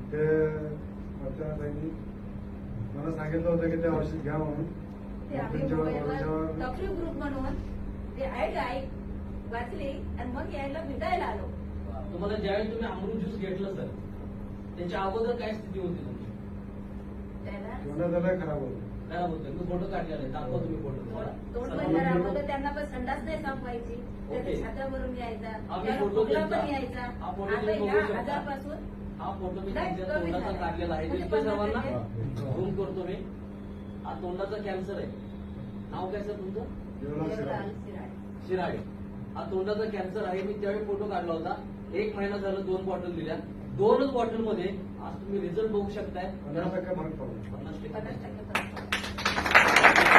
ते अर्चनाताईंनी मला सांगितलं होतं की ते औषध घ्या म्हणून. ते आम्ही मोबाईलवर डॉक्टरी ग्रुप म्हणून ते ऐक वाचली आणि मग यायला भेटायला आलो. तुम्हाला ज्यावेळी तुम्ही अमृत ज्यूस घेतलं सर, त्याच्या अगोदर काय स्थिती होती तुमची? त्याला खराब होतं. खराब होतं. मी फोटो काढलेला आहे, दाखवा तुम्ही फोटो. तोंड बंद राहतं, त्यांना पण संडास नाही संपवायची, त्याच्या छात्यावरून यायचा, पण यायचा. आता ह्या आजारपासून हा फोटो मी त्यांच्या तोंडाचा काढलेला आहे. दिसतोय सर्वांना? झूम करतो मी. हा तोंडाचा कॅन्सर आहे. नाव काय सर तुमचं? शिराळे. हा तोंडाचा कॅन्सर आहे. मी त्यावेळी फोटो काढला होता. 1 महिना झालं 2 बॉटल दिल्या. 2च बॉटलमध्ये आज तुम्ही रिझल्ट बघू शकताय. 50% फरक पडला. 50% 50%